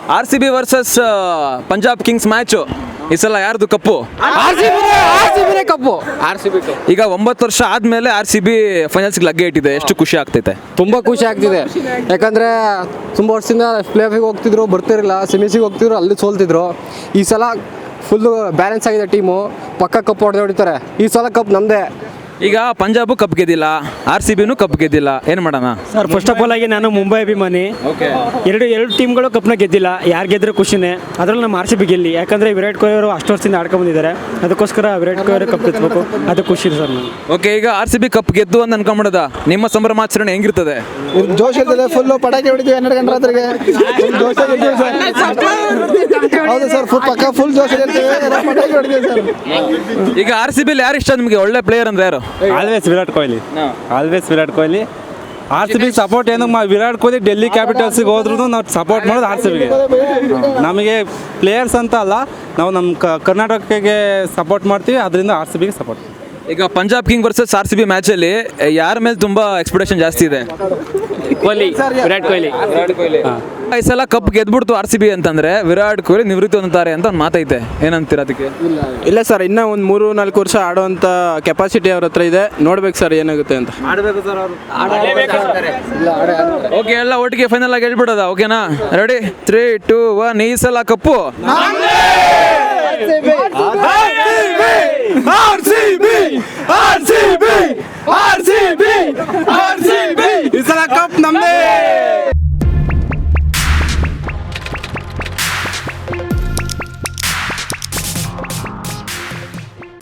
RCB versus Punjab Kings match ಈ ಸಲ ಯಾರ್ದು ಕಪ್ಪು? ಕಪ್ಪು. ಈಗ 9 ವರ್ಷ ಆದ್ಮೇಲೆ RCB ಫೈನಲ್ಸ್ಗೆ ಲಗ್ಗೆ ಇಟ್ಟಿದೆ, ಎಷ್ಟು ಖುಷಿ ಆಗ್ತೈತೆ? ತುಂಬ ಖುಷಿ ಆಗ್ತಿದೆ, ಯಾಕಂದರೆ ತುಂಬ ವರ್ಷದಿಂದ ಪ್ಲೇ ಆಫಿಗೆ ಹೋಗ್ತಿದ್ರು, ಬರ್ತಿರಲಿಲ್ಲ, ಸೆಮಿಸಿಗೆ ಹೋಗ್ತಿದ್ರು, ಅಲ್ಲಿ ಸೋಲ್ತಿದ್ರು. ಈ ಸಲ ಫುಲ್ಲು ಬ್ಯಾಲೆನ್ಸ್ ಆಗಿದೆ ಟೀಮು, ಪಕ್ಕ ಕಪ್ ಹೊಡೆದಿರ್ತಾರೆ. ಈ ಸಲ ಕಪ್ ನಮ್ಮದೇ. ಈಗ ಪಂಜಾಬು ಕಪ್ ಗೆದ್ದಿಲ್ಲ, RCBನೂ ಕಪ್ ಗೆದ್ದಿಲ್ಲ, ಏನು ಮಾಡೋಣ ಸರ್? ಫಸ್ಟ್ ಆಫ್ ಆಲ್ ಆಗಿ ನಾನು ಮುಂಬೈ ಅಭಿಮಾನಿ. ಎರಡು ಟೀಮ್ಗಳು ಕಪ್ನ ಗೆದ್ದಿಲ್ಲ, ಯಾರು ಗೆದ್ದರೂ ಖುಷಿನೇ. ಅದರಲ್ಲಿ ನಮ್ಮ RCB ಗೆಲ್ಲಿ, ಯಾಕಂದರೆ ವಿರಾಟ್ ಕೊಹ್ಲಿ ಅವರು ಅಷ್ಟು ವರ್ಷದಿಂದ ಆಡ್ಕೊಂಡು ಬಂದಿದ್ದಾರೆ. ಅದಕ್ಕೋಸ್ಕರ ವಿರಾಟ್ ಕೊಹ್ಲಿ ಅವರು ಕಪ್ ಗೆದ್ದಬೇಕು, ಅದು ಖುಷಿ ಸರ್ ನಾನು. ಓಕೆ, ಈಗ RCB ಕಪ್ ಗೆದ್ದು ಅಂತ ಅನ್ಕೊಂಬಿಡೋದ, ನಿಮ್ಮ ಸಂಭ್ರಮಾಚರಣೆ ಹೆಂಗಿರ್ತದೆ? ಜೋಶ್ ಇರ್ತದೆ, ಫುಲ್ಲು ಪಟಾಕಿ ಹೊಡಿತೀವಿ 12 ಗಂಟೆ ರಾತ್ರಿಗೆ. ಹೌದು ಸರ್, ಪಕ್ಕ ಫುಲ್ ಜೋಶ್ ಇರ್ತೀವಿ, ಪಟಾಕಿ ಹೊಡಿತೀವಿ ಸರ್. ಈಗ RCB ಯಾರು ಇಷ್ಟ ನಿಮಗೆ, ಒಳ್ಳೆ ಪ್ಲೇಯರ್ ಅಂದ್ರೆ ಯಾರು? Always Virat Kohli. Virat Kohli. RCB support ಏನು, ವಿರಾಟ್ ಕೊಹ್ಲಿ ಡೆಲ್ಲಿ ಕ್ಯಾಪಿಟಲ್ಸ್ಗೆ ಹೋದ್ರೂ ನಾವು ಸಪೋರ್ಟ್ ಮಾಡೋದು RCBಗೆ. ನಮಗೆ ಪ್ಲೇಯರ್ಸ್ ಅಂತ ಅಲ್ಲ, ನಾವು ನಮ್ಮ ಕರ್ನಾಟಕಕ್ಕೆ ಸಪೋರ್ಟ್ ಮಾಡ್ತೀವಿ, ಅದರಿಂದ RCBಗೆ ಸಪೋರ್ಟ್. ಈಗ ಪಂಜಾಬ್ ಕಿಂಗ್ ವರ್ಸಸ್ RCB ಮ್ಯಾಚಲ್ಲಿ ಯಾರ ಮೇಲೆ ತುಂಬಾ ಎಕ್ಸ್ಪೆಕ್ಟೇಷನ್ ಜಾಸ್ತಿ ಇದೆ? ವಿರಾಟ್ ಕೊಹ್ಲಿ. ಈ ಸಲ ಕಪ್ ಗೆದ್ಬಿಡ್ತು RCB ಅಂತಂದ್ರೆ ವಿರಾಟ್ ಕೊಹ್ಲಿ ನಿವೃತ್ತಿ ಹೊಂದುತ್ತಾರೆ ಅಂತ ಒಂದು ಮಾತೈತೆ, ಏನಂತೀರ ಅದಕ್ಕೆ? ಇಲ್ಲ ಸರ್, ಇನ್ನೂ ಒಂದು 3-4 ವರ್ಷ ಆಡುವಂಥ ಕೆಪಾಸಿಟಿ ಅವ್ರ ಹತ್ರ ಇದೆ, ನೋಡ್ಬೇಕು ಸರ್ ಏನಾಗುತ್ತೆ ಅಂತ. ಆಡಬೇಕು ಸರ್ ಅವರು. ಓಕೆ, ಎಲ್ಲ ಒಟ್ಟಿಗೆ ಫೈನಲ್ ಆಗಿ ಹೇಳ್ಬಿಡೋದ? ಓಕೆನಾ, ರೆಡಿ? 3, 2, 1. ಈ ಸಲ ಕಪ್ಪು RCB